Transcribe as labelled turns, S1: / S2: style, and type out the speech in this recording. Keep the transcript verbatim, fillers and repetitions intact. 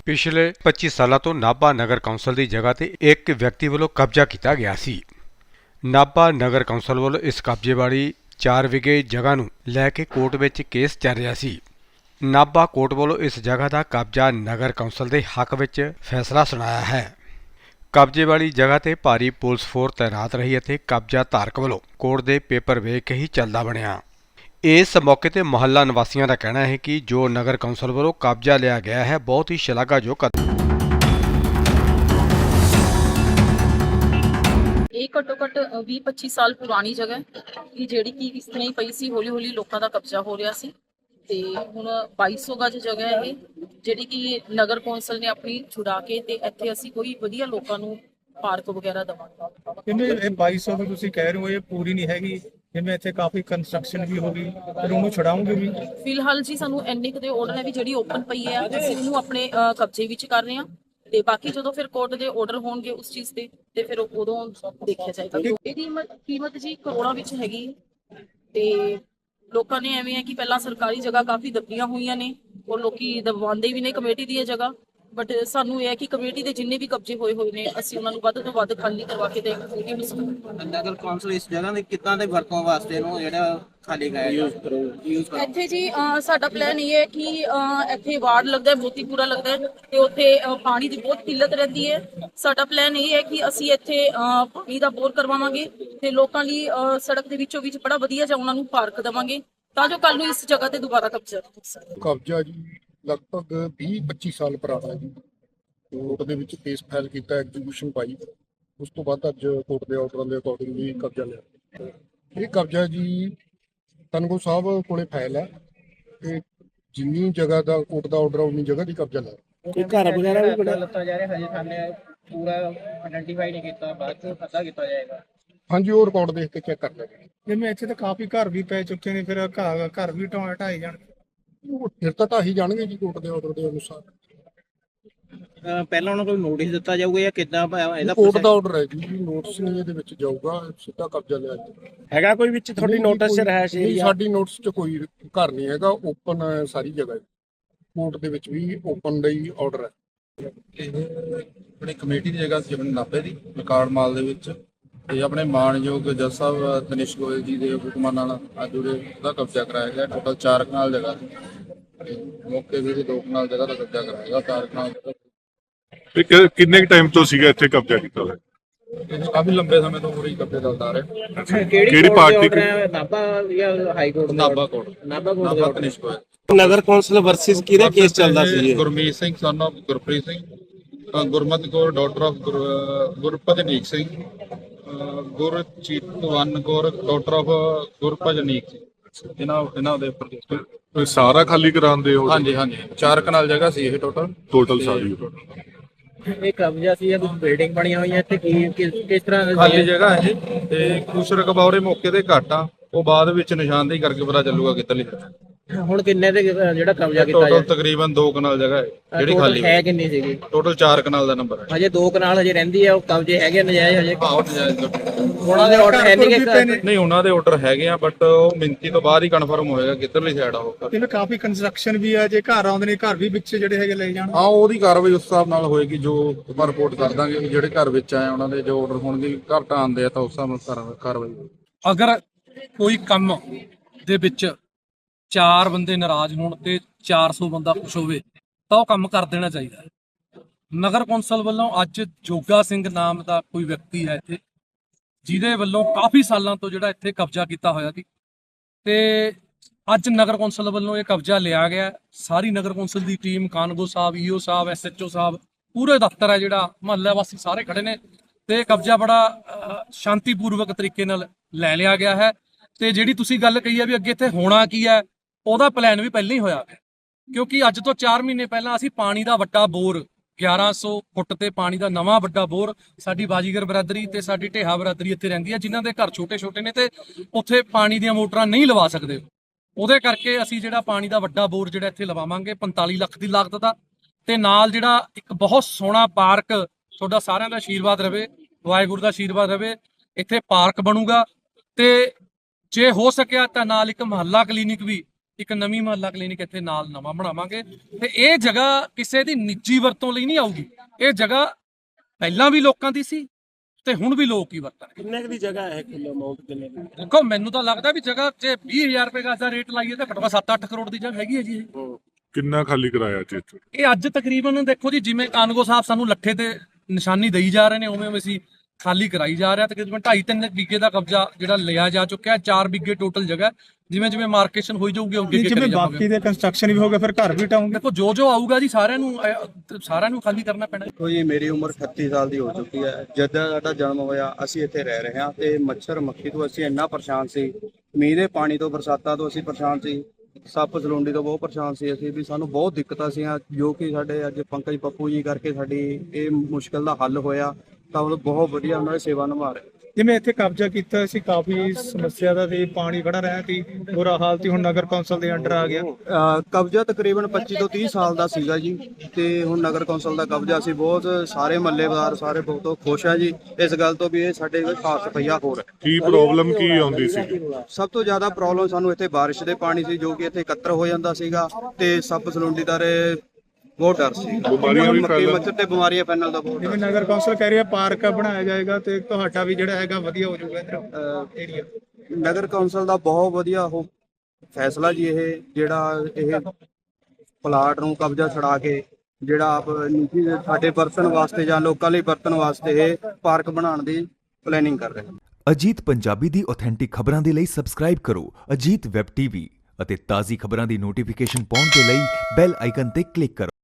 S1: ਪਿਛਲੇ ਪੱਚੀ ਸਾਲਾਂ ਤੋਂ ਨਾਭਾ ਨਗਰ ਕੌਂਸਲ ਦੀ ਜਗ੍ਹਾ ਤੇ ਇੱਕ ਵਿਅਕਤੀ ਵੱਲੋਂ ਕਬਜ਼ਾ ਕੀਤਾ ਗਿਆ ਸੀ। ਨਾਭਾ ਨਗਰ ਕੌਂਸਲ ਵੱਲੋਂ ਇਸ ਕਬਜ਼ੇ ਵਾਲੀ ਚਾਰ ਵਿਗੇ ਜਗ੍ਹਾ ਨੂੰ ਲੈ ਕੇ ਕੋਰਟ ਵਿੱਚ ਕੇਸ ਚੱਲ ਰਿਹਾ ਸੀ। ਨਾਭਾ ਕੋਰਟ ਵੱਲੋਂ ਇਸ ਜਗ੍ਹਾ ਦਾ ਕਬਜ਼ਾ ਨਗਰ ਕੌਂਸਲ ਦੇ ਹੱਕ ਵਿੱਚ ਫੈਸਲਾ ਸੁਣਾਇਆ ਹੈ। ਕਬਜ਼ੇ ਵਾਲੀ ਜਗ੍ਹਾ ਤੇ ਭਾਰੀ ਪੁਲਿਸ ਫੋਰਸ ਤੈਨਾਤ ਰਹੀ ਅਤੇ ਕਬਜ਼ਾ ਧਾਰਕ ਵੱਲੋਂ ਕੋਰਟ ਦੇ ਪੇਪਰ ਵੇਖ ਕੇ ਹੀ ਚੱਲਦਾ ਬਣਿਆ। ਇਸ ਮੌਕੇ ਤੇ ਮੁਹੱਲਾ ਨਿਵਾਸੀਆਂ ਦਾ ਕਹਿਣਾ ਹੈ ਕਿ ਜੋ ਨਗਰ ਕੌਂਸਲ ਵੱਲੋਂ ਕਬਜ਼ਾ ਲਿਆ ਗਿਆ ਹੈ ਬਹੁਤ ਹੀ ਸ਼ਲਾਘਾਯੋਗ ਕਦਮ।
S2: ਇਹ ਘੱਟੋ ਘੱਟ ਵੀਹ ਪੱਚੀ ਸਾਲ ਪੁਰਾਣੀ ਜਗ੍ਹਾ ਇਹ ਜਿਹੜੀ ਕਿ ਇਸ ਤਰ੍ਹਾਂ ਹੀ ਪਈ ਸੀ, ਹੌਲੀ ਹੌਲੀ ਲੋਕਾਂ ਦਾ ਕਬਜ਼ਾ ਹੋ ਰਿਹਾ ਸੀ ਤੇ ਹੁਣ ਬਾਈ ਸੌ ਗਜ ਜਗ੍ਹਾ ਇਹ ਜਿਹੜੀ ਕਿ ਨਗਰ ਕੌਂਸਲ ਨੇ ਆਪਣੀ ਛੁਡਾ ਕੇ ਤੇ ਇੱਥੇ ਅਸੀਂ ਕੋਈ ਵਧੀਆ ਲੋਕਾਂ ਨੂੰ ਪਾਰਕ ਵਗੈਰਾ ਦੇਵਾਂਗੇ।
S3: ਜਿਵੇਂ ਇਹ ਬਾਈ ਸੌ ਵੀ ਤੁਸੀਂ ਕਹਿ ਰਹੇ ਹੋ ਇਹ ਪੂਰੀ ਨਹੀਂ ਹੈਗੀ, ਜਿਵੇਂ ਇੱਥੇ ਕਾਫੀ ਕੰਸਟਰਕਸ਼ਨ ਵੀ ਹੋ ਗਈ, ਫਿਰ ਉਹਨੂੰ ਛੁਡਾਉਂਗੇ ਵੀ?
S2: ਫਿਲਹਾਲ ਜੀ ਸਾਨੂੰ ਇੰਨੇ ਕੁ ਦੇ ਆਰਡਰ ਹੈ ਵੀ ਜਿਹੜੀ ਓਪਨ ਪਈ ਹੈ ਅਸੀਂ ਉਹਨੂੰ ਆਪਣੇ ਅਹ, ਕਬਜ਼ੇ ਵਿੱਚ ਕਰ ਰਹੇ ਹਾਂ ਤੇ ਬਾਕੀ ਜਦੋਂ ਫਿਰ ਕੋਰਟ ਦੇ ਆਰਡਰ ਹੋਣਗੇ ਉਸ ਚੀਜ਼ ਤੇ ਤੇ ਫਿਰ ਉਦੋਂ ਦੇਖਿਆ ਜਾਏਗਾ। ਇਹਦੀ ਕੀਮਤ ਕੀਮਤ ਜੀ ਕਰੋੜਾਂ ਵਿੱਚ ਹੈਗੀ ਤੇ ਲੋਕਾਂ ਨੇ ਐਵੇਂ ਹੈ ਕਿ ਪਹਿਲਾਂ ਸਰਕਾਰੀ ਜਗ੍ਹਾ ਕਾਫੀ ਦੱਬੀਆਂ ਹੋਈਆਂ ਨੇ ਔਰ ਲੋਕੀ ਦਬਵਾਉਂਦੇ ਵੀ ਨੇ ਕਮੇਟੀ ਦੀ ਇਹ ਜਗ੍ਹਾ, ਬਟ ਸਾਨੂੰ ਇਹ ਹੈ ਕਿ ਕਮੇਟੀ ਦੇ ਜਿੰਨੇ ਵੀ ਕਬਜ਼ੇ ਹੋਏ ਹੋਏ ਨੇ ਅਸੀਂ ਉਹਨਾਂ ਨੂੰ ਵੱਧ ਤੋਂ ਵੱਧ ਖਾਲੀ ਕਰਵਾ ਕੇ ਦੇਵਾਂਗੇ।
S4: ਨਗਰ ਕੌਂਸਲ ਇਸ ਜਗ੍ਹਾ ਦੇ ਕਿੱਦਾਂ ਦੇ ਵਰਤੋਂ ਵਾਸਤੇ ਨੂੰ ਜਿਹੜਾ ਖਾਲੀ ਕਰਾਇਆ ਯੂਜ਼ ਕਰੋ ਯੂਜ਼ ਕਰੋ।
S2: ਇੱਥੇ ਜੀ ਅਹ, ਸਾਡਾ ਪਲਾਨ ਇਹ ਹੈ ਕਿ ਅਹ, ਇੱਥੇ ਵਾਰਡ ਲੱਗਦਾ ਹੈ, ਮੋਤੀਪੁਰਾ ਲੱਗਦਾ ਹੈ ਤੇ ਉੱਥੇ ਅਹ, ਪਾਣੀ ਦੀ ਬਹੁਤ ਕਿੱਲਤ ਰਹਿੰਦੀ ਹੈ। ਸਾਡਾ ਪਲਾਨ ਇਹ ਹੈ ਕਿ ਅਸੀਂ ਇੱਥੇ ਅਹ, ਪਾਣੀ ਦਾ ਬੋਰ ਕਰਵਾਵਾਂਗੇ ਤੇ ਲੋਕਾਂ ਲਈ ਅਹ, ਸੜਕ ਦੇ ਵਿੱਚੋਂ ਵਿੱਚ ਬੜਾ ਵਧੀਆ ਜਿਹਾ ਉਹਨਾਂ ਨੂੰ ਪਾਰਕ ਦੇਵਾਂਗੇ ਤਾਂ ਜੋ ਕੱਲ ਨੂੰ ਇਸ ਜਗ੍ਹਾ ਤੇ ਦੁਬਾਰਾ ਕਬਜ਼ਾ ਹੋ ਸਕੇ।
S5: ਕਬਜ਼ਾ ਜੀ ਲਗਭਗ ਵੀਹ ਪੱਚੀ ਸਾਲ ਪੁਰਾਣਾ ਜੀ। ਕੋਰਟ ਦੇ ਵਿੱਚ ਕੇਸ ਫਾਈਲ ਕੀਤਾ, ਐਗਜ਼ੀਕਿਊਸ਼ਨ ਪਾਈ, ਉਸ ਤੋਂ ਬਾਅਦ ਅੱਜ ਕੋਰਟ ਦੇ ਆਰਡਰਾਂ ਦੇ ਅਕੋਰਡਿੰਗਲੀ ਕਬਜ਼ਾ ਲਿਆ। ਇਹ ਕਬਜ਼ਾ ਜੀ ਤਨਗੋ ਸਾਹਿਬ ਕੋਲੇ ਫਾਈਲ ਹੈ ਤੇ ਜਿੰਨੀ ਜਗ੍ਹਾ ਦਾ ਕੋਰਟ ਦਾ ਆਰਡਰ ਉਨੀ ਜਗ੍ਹਾ ਦੀ ਕਬਜ਼ਾ ਲਿਆ।
S4: ਕੋਈ ਘਰ ਵਗੈਰਾ ਵੀ ਬਣਾ ਲੱਤਾ ਜਾ ਰਿਹਾ ਹਜੇ ਸਾਹਮਣੇ ਪੂਰਾ ਆਇਡੈਂਟੀਫਾਈ ਨਹੀਂ ਕੀਤਾ, ਬਾਅਦ ਚ ਪਤਾ ਕੀਤਾ ਜਾਏਗਾ।
S5: ਹਾਂਜੀ, ਉਹ ਰਿਕਾਰਡ ਦੇਖ ਕੇ ਚੈੱਕ ਕਰ ਲੈਣਗੇ।
S3: ਜਿਵੇਂ ਇੱਥੇ ਤਾਂ ਕਾਫੀ ਘਰ ਵੀ ਪੈ ਚੁੱਕੇ ਨੇ, ਫਿਰ ਘਰ ਘਰ ਵੀ ਢਾਹ ਢਾਏ ਜਾਣ,
S5: ਉਹ ਫਿਰ ਤਾਂ ਢਾਹੀ ਜਾਣਗੇ ਜੀ ਕੋਰਟ ਦੇ ਆਰਡਰ ਦੇ ਅਨੁਸਾਰ।
S4: ਪਹਿਲਾਂ ਉਹਨਾਂ ਨੂੰ ਨੋਟਿਸ ਦਿੱਤਾ ਜਾਊਗਾ ਜਾਂ ਕਿੱਦਾਂ ਇਹਦਾ
S5: ਕੋਰਟ ਦਾ ਆਰਡਰ ਹੈ ਜੀ, ਨੋਟਿਸ ਨਹੀਂ ਇਹਦੇ ਵਿੱਚ ਜਾਊਗਾ, ਸਿੱਧਾ ਕਬਜ਼ਾ ਲਿਆ ਜੀ।
S4: ਹੈਗਾ ਕੋਈ ਵਿੱਚ ਤੁਹਾਡੀ ਨੋਟਿਸ ਚ ਰਹਿ ਸੀ?
S5: ਸਾਡੀ ਨੋਟਿਸ 'ਚ ਕੋਈ ਘਰ ਨਹੀਂ ਹੈਗਾ, ਓਪਨ ਸਾਰੀ ਜਗ੍ਹਾ। ਕੋਰਟ ਦੇ ਵਿੱਚ ਵੀ ਓਪਨ ਦਾ ਹੀ ਆਰਡਰ ਹੈ।
S6: ਇਹ ਆਪਣੀ ਕਮੇਟੀ ਦੀ ਜਗ੍ਹਾ ਸੀ, ਆਪਣੇ ਨਾਭੇ ਦੀ ਰਿਕਾਰਡ ਮਾਲ ਦੇ ਵਿੱਚ, ਤੇ ਆਪਣੇ ਮਾਣਯੋਗ ਜੱਜ ਸਾਹਿਬ ਤਨਿਸ਼ ਗੋਇਲ ਜੀ ਦੇ ਹੁਕਮਾਂ ਨਾਲ ਅੱਜ ਉਹਦਾ ਕਬਜ਼ਾ ਕਰਾਇਆ ਗਿਆ। ਟੋਟਲ ਚਾਰ ਕਨਾਲ ਜਗ੍ਹਾ ਸੀ, ਮੌਕੇ ਦੇ ਦੋ ਕਨਾਲ ਜਗ੍ਹਾ ਦਾ ਕਬਜ਼ਾ ਕਰਾਇਆ ਗਿਆ। ਚਾਰ ਕਨਾਲ
S7: ਕਿੰਨੇ ਟਾਈਮ ਤੋਂ ਸੀਗਾ ਇੱਥੇ ਕਬਜ਼ਾ ਕੀਤਾ ਹੋਇਆ?
S6: ਇਹ ਕਾਫੀ ਲੰਬੇ ਸਮੇਂ ਤੋਂ ਪੂਰੀ ਕਬਜ਼ੇ ਚੱਲਦਾ ਆ ਰਿਹਾ।
S4: ਕਿਹੜੀ ਪਾਰਟੀ? ਨਾਭਾ ਜਾਂ high court?
S6: Nabha court.
S4: Nabha
S6: Nabha
S4: court
S6: Tanish Goyal.
S4: Nagar council versus ਕਿਹਦਾ ਕੇਸ ਚੱਲਦਾ ਸੀ?
S6: Gurmeet Singh son of Gurpreet Singh, Gurmat Kaur daughter of Gurpajnik Singh, Gurchitvan Kaur daughter of Gurpajnik Singh. ਇਹਨਾਂ ਇਹਨਾਂ ਦੇ ਉੱਪਰ
S7: ਸਾਰਾ ਖਾਲੀ ਕਰਾਉਂਦੇ ਹੋ?
S6: ਹਾਂਜੀ ਹਾਂਜੀ, ਚਾਰ ਕਨਾਲ ਜਗ੍ਹਾ ਸੀ ਇਹ ਟੋਟਲ
S7: ਟੋਟਲ ਸਾਰੀ।
S4: ਇਹ ਕਬਜ਼ਾ ਸੀ ਜਾਂ ਕੁਝ ਬਿਲਡਿੰਗ ਬਣੀਆਂ ਹੋਈਆਂ ਇੱਥੇ? ਕੀ ਕਿਸ ਤਰ੍ਹਾਂ
S6: ਖਾਲੀ ਜਗ੍ਹਾ ਇਹ, ਤੇ ਕੁਛ ਰਕਬਾ ਮੌਕੇ ਤੇ ਘੱਟ ਆ, ਉਹ ਬਾਅਦ ਵਿੱਚ ਨਿਸ਼ਾਨਦੇਹੀ ਕਰਕੇ ਪਤਾ ਚੱਲੂਗਾ ਕਿੱਧਰਲੀ।
S4: ਹੁਣ ਕਿੰਨੇ ਦੇ ਜਿਹੜਾ ਕਬਜ਼ਾ ਕੀਤਾ
S6: ਟੋਟਲ
S4: ਜਾਏ?
S6: ਤਕਰੀਬਨ ਦੋ ਕਨਾਲ ਜਗ੍ਹਾ ਹੈ ਜਿਹੜੀ ਖਾਲੀ
S4: ਹੈ। ਕਿੰਨੀ ਸੀਗੀ?
S6: ਟੋਟਲ ਚਾਰ ਕਨਾਲ ਦਾ ਨੰਬਰ ਹੈ।
S4: ਹਜੇ ਦੋ ਕਨਾਲ ਹਜੇ ਰਹਿੰਦੀ ਆ, ਉਹ ਕਬਜ਼ੇ ਹੈਗੇ ਨਜਾਇਜ਼ ਹਜੇ?
S6: ਆਹੋ ਨਜਾਇਜ਼।
S4: ਉਹਨਾਂ ਦੇ ਆਰਡਰ ਹੈ ਨਹੀਂ ਕਿ
S6: ਨਹੀਂ, ਉਹਨਾਂ ਦੇ ਆਰਡਰ ਹੈਗੇ ਆ, ਬਟ ਉਹ ਮਿੰਤੀ ਤੋਂ ਬਾਅਦ ਹੀ ਕਨਫਰਮ ਹੋਏਗਾ ਕਿੱਧਰਲੀ ਸਾਈਡ ਆ ਉਹ।
S3: ਜਿਵੇਂ ਕਾਫੀ ਕੰਸਟਰਕਸ਼ਨ ਵੀ ਆ, ਜੇ ਘਰ ਆਉਂਦੇ ਨੇ ਘਰ ਵੀ ਵਿੱਚ ਜਿਹੜੇ ਹੈਗੇ ਲੈ ਜਾਣ।
S6: ਹਾਂ, ਉਹਦੀ ਕਾਰਵਾਈ ਉਸ ਹਿਸਾਬ ਨਾਲ ਹੋਏਗੀ, ਜੋ ਆਪਾਂ ਰਿਪੋਰਟ ਕਰ ਦਾਂਗੇ ਵੀ ਜਿਹੜੇ ਘਰ ਵਿੱਚ ਆਏ ਉਹਨਾਂ ਦੇ ਜੋ ਆਰਡਰ ਹੋਣਗੇ, ਘਰ ਢਾਹੁਣ ਦੇ ਆ ਤਾਂ ਉਸ ਹਿਸਾਬ ਨਾਲ ਕਾਰਵਾਈ ਹੋਏਗੀ।
S8: ਅਗਰ ਕੋਈ ਕੰਮ ਦੇ ਵਿੱਚ ਚਾਰ ਬੰਦੇ ਨਾਰਾਜ਼ ਹੋਣ ਤੇ ਚਾਰ ਸੌ ਬੰਦਾ ਖੁਸ਼ ਹੋਵੇ ਤਾਂ ਉਹ ਕੰਮ ਕਰ ਦੇਣਾ ਚਾਹੀਦਾ ਹੈ। ਨਗਰ ਕੌਂਸਲ ਵੱਲੋਂ ਅੱਜ ਜੋਗਾ ਸਿੰਘ ਨਾਮ ਦਾ ਕੋਈ ਵਿਅਕਤੀ ਹੈ ਇੱਥੇ, ਜਿਹਦੇ ਵੱਲੋਂ ਕਾਫੀ ਸਾਲਾਂ ਤੋਂ ਜਿਹੜਾ ਇੱਥੇ ਕਬਜ਼ਾ ਕੀਤਾ ਹੋਇਆ ਸੀ, ਤੇ ਅੱਜ ਨਗਰ ਕੌਂਸਲ ਵੱਲੋਂ ਇਹ ਕਬਜ਼ਾ ਲਿਆ ਗਿਆ। ਸਾਰੀ ਨਗਰ ਕੌਂਸਲ ਦੀ ਟੀਮ, ਕਾਨਗੋ ਸਾਹਿਬ, ਈਓ ਸਾਹਿਬ, ਐਸਐਚਓ ਸਾਹਿਬ, ਪੂਰੇ ਦਫ਼ਤਰ ਹੈ ਜਿਹੜਾ, ਮੁਹੱਲਾ ਵਾਸੀ ਸਾਰੇ ਖੜੇ ਨੇ ਤੇ ਕਬਜ਼ਾ ਬੜਾ ਸ਼ਾਂਤੀਪੂਰਵਕ ਤਰੀਕੇ ਨਾਲ ਲੈ ਲਿਆ ਗਿਆ ਹੈ। ਤੇ ਜਿਹੜੀ ਤੁਸੀਂ ਗੱਲ ਕਹੀ ਹੈ ਵੀ ਅੱਗੇ ਇੱਥੇ ਹੋਣਾ ਕੀ ਹੈ, ਉਹਦਾ ਪਲਾਨ ਵੀ ਪਹਿਲਾਂ ਹੀ ਹੋਇਆ ਹੈ, ਕਿਉਂਕਿ ਅੱਜ ਤੋਂ ਚਾਰ ਮਹੀਨੇ ਪਹਿਲਾਂ ਅਸੀਂ ਪਾਣੀ ਦਾ ਵੱਡਾ ਬੋਰ, ਗਿਆਰਾਂ ਸੌ ਫੁੱਟ ਤੇ ਪਾਣੀ ਦਾ ਨਵਾਂ ਵੱਡਾ ਬੋਰ, ਸਾਡੀ ਬਾਜੀਗਰ ਬਰਾਦਰੀ ਤੇ ਸਾਡੀ ਢੇਹਾ ਬਰਾਦਰੀ ਇੱਥੇ ਰਹਿੰਦੀ ਹੈ, ਜਿਨ੍ਹਾਂ ਦੇ ਘਰ ਛੋਟੇ ਛੋਟੇ ਨੇ ਤੇ ਉੱਥੇ ਪਾਣੀ ਦੀਆਂ ਮੋਟਰਾਂ ਨਹੀਂ ਲਵਾ ਸਕਦੇ। ਉਹਦੇ ਕਰਕੇ ਅਸੀਂ ਜਿਹੜਾ ਪਾਣੀ ਦਾ ਵੱਡਾ ਬੋਰ ਜਿਹੜਾ ਇੱਥੇ ਲਵਾਵਾਂਗੇ ਪੰਤਾਲੀ ਲੱਖ ਦੀ ਲਾਗਤ ਦਾ, ਤੇ ਨਾਲ ਜਿਹੜਾ ਇੱਕ ਬਹੁਤ ਸੋਹਣਾ ਪਾਰਕ, ਤੁਹਾਡਾ ਸਾਰਿਆਂ ਦਾ ਆਸ਼ੀਰਵਾਦ ਰਵੇ, ਵਾਹਿਗੁਰੂ ਦਾ ਆਸ਼ੀਰਵਾਦ ਰਵੇ, ਇੱਥੇ ਪਾਰਕ ਬਣੂਗਾ। ਤੇ ਜੇ ਹੋ ਸਕਿਆ ਤਾਂ ਨਾਲ ਇੱਕ ਮੁਹੱਲਾ ਕਲੀਨਿਕ ਵੀ ਇੱਕ ਨਵੀਂ ਮੁਹੱਲਾ ਕਲੀਨਿਕ ਇੱਥੇ ਨਾਲ ਨਵਾਂ ਬਣਾਵਾਂਗੇ ਤੇ ਇਹ ਜਗ੍ਹਾ ਕਿਸੇ ਦੀ ਨਿੱਜੀ ਵਰਤੋਂ ਲਈ ਨਹੀਂ ਆਊਗੀ। ਇਹ ਜਗ੍ਹਾ ਪਹਿਲਾਂ ਵੀ ਲੋਕਾਂ ਦੀ ਸੀ ਤੇ ਹੁਣ ਵੀ ਲੋਕ ਹੀ ਵਰਤਣਗੇ।
S9: ਕਿੰਨੇ ਕੁ ਦੀ ਜਗ੍ਹਾ ਹੈ ਕਿਲੋ ਅਮਾਉਂਟ ਕਿੰਨੇ ਦੀ?
S8: ਦੇਖੋ ਮੈਨੂੰ ਤਾਂ ਲੱਗਦਾ ਵੀ ਜਗ੍ਹਾ ਜੇ ਵੀਹ ਹਜ਼ਾਰ ਰੁਪਏ ਗਜ਼ ਦਾ ਰੇਟ ਲਾਈਏ ਤਾਂ ਘੱਟੋ ਘੱਟ ਸੱਤ ਅੱਠ ਕਰੋੜ ਦੀ ਜਗ੍ਹਾ ਹੈਗੀ ਹੈ ਜੀ ਇਹ।
S7: ਕਿੰਨਾ ਖਾਲੀ ਕਰਾਇਆ ਜੀ ਇੱਥੇ?
S8: ਇਹ ਅੱਜ ਤਕਰੀਬਨ ਦੇਖੋ ਜੀ ਜਿਵੇਂ ਕਾਨਗੋ ਸਾਹਿਬ ਸਾਨੂੰ ਲੱਠੇ ਤੇ ਨਿਸ਼ਾਨੀ ਦੇਈ ਜਾ ਰਹੇ ਨੇ ਉਵੇਂ ਉਵੇਂ ਅਸੀਂ ਖਾਲੀ ਕਰਾਈ ਜਾ ਰਿਹਾ। ਤਕਰੀਬਨ ਢਾਈ ਤਿੰਨ ਵਿਗੇ ਦਾ ਕਬਜ਼ਾ ਜਿਹੜਾ ਲਿਆ ਜਾ ਚੁੱਕਿਆ ਹੈ। ਚਾਰ ਵਿਗੇ ਟੋਟਲ ਜਗ੍ਹਾ, ਜਿਵੇਂ ਜਿਵੇਂ ਮਾਰਕੇਸ਼ਨ ਹੋਈ ਜਾਊਗੀ ਅੱਗੇ ਅੱਗੇ
S3: ਜਿਵੇਂ
S8: ਕਰੀ
S3: ਬਾਕੀ
S8: ਜਾਵਾਂਗੇ।
S3: ਦੇ ਕੰਸਟਰਕਸ਼ਨ ਵੀ ਹੋ ਗਏ ਫਿਰ ਘਰ ਵੀ ਟਾਉਂਗੇ।
S8: ਦੇਖੋ ਜੋ ਜੋ ਆਊਗਾ ਜੀ ਸਾਰਿਆਂ ਨੂੰ ਅਹ, ਸਾਰਿਆਂ ਨੂੰ ਖਾਲੀ ਕਰਨਾ ਪੈਣਾ।
S10: ਦੇਖੋ ਜੀ ਮੇਰੀ ਉਮਰ ਅਠੱਤੀ ਸਾਲ ਦੀ ਹੋ ਚੁੱਕੀ ਹੈ। ਜਦੋਂ ਸਾਡਾ ਜਨਮ ਹੋਇਆ ਅਸੀਂ ਇੱਥੇ ਰਹਿ ਰਹੇ ਹਾਂ ਤੇ ਮੱਛਰ ਮੱਖੀ ਤੋਂ ਅਸੀਂ ਇੰਨਾ ਪਰੇਸ਼ਾਨ ਸੀ, ਮੀਂਹ ਦੇ ਪਾਣੀ ਤੋਂ, ਬਰਸਾਤਾਂ ਤੋਂ ਅਸੀਂ ਪਰੇਸ਼ਾਨ ਸੀ, ਸੱਪ ਸਲੂੰਡੀ ਤੋਂ ਬਹੁਤ ਪਰੇਸ਼ਾਨ ਸੀ ਅਸੀਂ ਵੀ। ਸਾਨੂੰ ਬਹੁਤ ਦਿੱਕਤਾਂ ਸੀਆਂ ਜੋ ਕਿ ਸਾਡੇ ਅੱਜ ਪੰਕਜ ਪੱਪੂ ਜੀ ਕਰਕੇ ਸਾਡੀ ਇਹ ਮੁਸ਼ਕਲ ਦਾ ਹੱਲ ਹੋਇਆ। ਤਾਂ ਉਹ ਬਹੁਤ ਵਧੀਆ ਉਹਨਾਂ ਦੀ ਸੇਵਾ ਨਿਭਾ ਰਹੇ।
S3: ਜਿਵੇਂ ਇੱਥੇ ਕਬਜ਼ਾ ਕੀਤਾ ਸੀ ਕਾਫੀ ਸਮੱਸਿਆ ਦਾ ਸੀ, ਪਾਣੀ ਖੜਾ ਰਿਹਾ ਸੀ, ਬੁਰਾ ਹਾਲ ਸੀ, ਹੁਣ ਨਗਰ ਕੌਂਸਲ ਦੇ ਅੰਡਰ ਆ ਗਿਆ।
S10: ਅਹ ਕਬਜ਼ਾ ਤਕਰੀਬਨ ਪੱਚੀ ਤੋਂ ਤੀਹ ਸਾਲ ਦਾ ਸੀਗਾ ਜੀ ਤੇ ਹੁਣ ਨਗਰ ਕੌਂਸਲ ਦਾ ਕਬਜ਼ਾ ਸੀ। ਬਹੁਤ ਸਾਰੇ ਮੱਲੇਦਾਰ ਸਾਰੇ ਬਹੁਤ ਖੁਸ਼ ਆ ਜੀ ਇਸ ਗੱਲ ਤੋਂ ਵੀ ਇਹ ਸਾਡੇ ਖਾਸ ਰੁਪਈਆ ਹੋਰ ਹੈ।
S7: ਕੀ ਪ੍ਰੋਬਲਮ ਕੀ ਆਉਂਦੀ ਸੀ?
S10: ਸਭ ਤੋਂ ਜ਼ਿਆਦਾ ਪ੍ਰੋਬਲਮ ਸਾਨੂੰ ਇੱਥੇ ਬਾਰਿਸ਼ ਦੇ ਪਾਣੀ ਸੀ ਜੋ ਕਿ ਇੱਥੇ ਇਕੱਤਰ ਹੋ ਜਾਂਦਾ ਸੀਗਾ ਤੇ ਸੱਪ ਸਲੂੰਡੀ ਦਾ ਰੇ ਬਹੁਤ ਡਰ ਸੀ।
S7: ਬਿਮਾਰੀਆਂ ਵੀ
S10: ਮੱਖੀ
S7: ਫੈਲਣ।
S10: ਮੱਛਰ ਤੇ ਬਿਮਾਰੀਆਂ ਫੈਲਣ ਦਾ ਬਹੁਤ
S3: ਜਿਵੇਂ
S10: ਡਰ।
S3: ਨਗਰ ਕੌਂਸਲ ਕਹਿ ਰਿਹਾ ਪਾਰਕ ਬਣਾਇਆ ਜਾਏਗਾ ਤੇ ਤੁਹਾਡਾ ਵੀ ਜਿਹੜਾ ਹੈਗਾ ਵਧੀਆ ਹੋ ਜਾਊਗਾ ਇੱਧਰ ਏਰੀਆ।
S10: ਨਗਰ ਕੌਂਸਲ ਦਾ ਬਹੁਤ ਵਧੀਆ ਉਹ ਫੈਸਲਾ ਜੀ ਇਹ ਜਿਹੜਾ ਇਹ ਪਲਾਟ ਨੂੰ ਕਬਜ਼ਾ ਛਡਾ ਕੇ ਜਿਹੜਾ ਆਪ ਨਿੱਜੀ ਸਾਡੇ ਵਰਤਣ ਵਾਸਤੇ ਜਾਂ ਲੋਕਾਂ ਲਈ ਵਰਤਣ ਵਾਸਤੇ ਇਹ ਪਾਰਕ ਬਣਾਉਣ ਦੀ ਪਲੈਨਿੰਗ ਕਰ ਰਹੇ ਹਨ।
S11: ਅਜੀਤ ਪੰਜਾਬੀ ਦੀ ਆਥੈਂਟਿਕ ਖਬਰਾਂ ਦੇ ਲਈ ਸਬਸਕ੍ਰਾਈਬ ਕਰੋ ਅਜੀਤ ਵੈਬ ਟੀਵੀ ਅਤੇ ਤਾਜ਼ੀ ਖਬਰਾਂ ਦੀ ਨੋਟੀਫਿਕੇਸ਼ਨ ਪਾਉਣ ਦੇ ਲਈ ਬੈਲ ਆਈਕਨ ਤੇ ਕਲਿੱਕ ਕਰੋ।